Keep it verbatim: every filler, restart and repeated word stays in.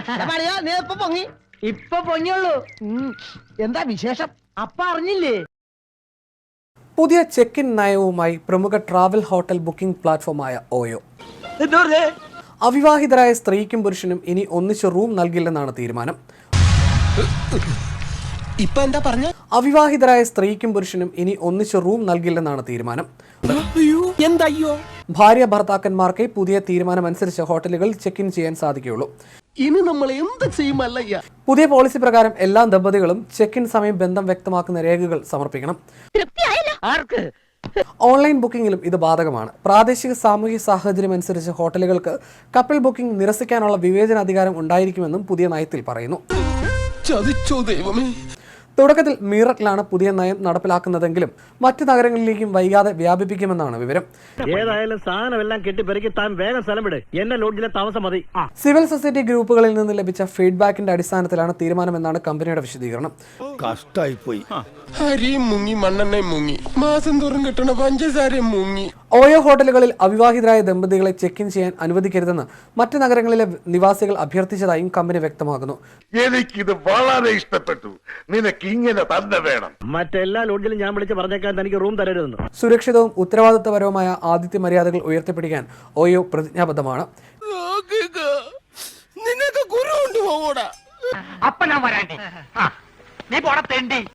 നീ ഇപ്പൊ പൊങ്ങി ഇപ്പൊ പൊങ്ങിയുള്ളൂ. എന്താ വിശേഷം? അപ്പ അറിഞ്ഞില്ലേ? പുതിയ ചെക്ക് ഇൻ നയവുമായി പ്രമുഖ ട്രാവൽ ഹോട്ടൽ ബുക്കിംഗ് പ്ലാറ്റ്ഫോമായ ഓയോ. അവിവാഹിതരായ സ്ത്രീക്കും പുരുഷനും ഇനി ഒന്നിച്ച് റൂം നൽകില്ലെന്നാണ് തീരുമാനം. ഇപ്പൊ എന്താ പറഞ്ഞ? അവിവാഹിതരായ സ്ത്രീക്കും പുരുഷനും ഇനി ഒന്നിച്ച് റൂം നൽകില്ലെന്നാണ് തീരുമാനം. എന്തയ്യോ? ഭാര്യ ഭർത്താക്കന്മാർക്ക് പുതിയ തീരുമാനം അനുസരിച്ച് ഹോട്ടലുകൾ ചെക്ക് ഇൻ ചെയ്യാൻ സാധിക്കുകയുള്ളൂ. ഇനി നമ്മൾ എന്ത് ചെയ്യുമല്ലയ്യ? പുതിയ പോളിസി പ്രകാരം എല്ലാ ദമ്പതികളും ചെക്ക് ഇൻ സമയം ബന്ധം വ്യക്തമാക്കുന്ന രേഖകൾ സമർപ്പിക്കണം. ആർക്ക്? ഓൺലൈൻ ബുക്കിംഗിലും ഇത് ബാധകമാണ്. പ്രാദേശിക സാമൂഹ്യ സാഹചര്യം അനുസരിച്ച് ഹോട്ടലുകൾക്ക് കപ്പിൾ ബുക്കിംഗ് നിരസിക്കാനുള്ള വിവേചനാധികാരം ഉണ്ടായിരിക്കുമെന്നും പുതിയ നയത്തിൽ പറയുന്നു. ചതിച്ചോ ദൈവമേ. തുടക്കത്തിൽ മീററ്റിലാണ് പുതിയ നയം നടപ്പിലാക്കുന്നതെങ്കിലും മറ്റു നഗരങ്ങളിലേക്കും വൈകാതെ വ്യാപിപ്പിക്കുമെന്നാണ് വിവരം. ഏതായാലും സാധനമെല്ലാം കെട്ടിപ്പെറുക്കി താൻ വേഗം സ്ഥലം വിട്. എന്നെ ലോഡ്ജിലെ താമസം മതി. സിവിൽ സൊസൈറ്റി ഗ്രൂപ്പുകളിൽ നിന്ന് ലഭിച്ച ഫീഡ്ബാക്കിന്റെ അടിസ്ഥാനത്തിലാണ് തീരുമാനമെന്നാണ് കമ്പനിയുടെ വിശദീകരണം. കഷ്ടായി പോയി. അരിയും മുങ്ങി മണ്ണെണ്ണയും മുങ്ങി മാസം തോറും കിട്ടണ പഞ്ചസാരയും മുങ്ങി. ഓയോ ഹോട്ടലുകളിൽ അവിവാഹിതരായ ദമ്പതികളെ ചെക്ക് ഇൻ ചെയ്യാൻ അനുവദിക്കരുതെന്ന് മറ്റ് നഗരങ്ങളിലെ നിവാസികൾ അഭ്യർത്ഥിച്ചതായും കമ്പനി വ്യക്തമാക്കുന്നു. എനിക്കിത് വളരെ ഇഷ്ടപ്പെട്ടു. നിനക്ക് ഇങ്ങനെ തന്നെ വേണം. മറ്റെല്ലാ ലോഡ്ജിലും ഞാൻ വിളിച്ച് പറഞ്ഞേക്കാൻ തനിക്ക് റൂം തരരുതെന്ന്. സുരക്ഷിതവും ഉത്തരവാദിത്തപരവുമായ ആതിഥ്യ മര്യാദകൾ ഉയർത്തിപ്പിടിക്കാൻ ഓയോ പ്രതിജ്ഞാബദ്ധമാണ്. നിനക്ക് ഗുരു കൊണ്ടുപോകൂടാ. അപ്പ ഞാൻ വരാണ്ടി. നീ പോടത്തേണ്ടി.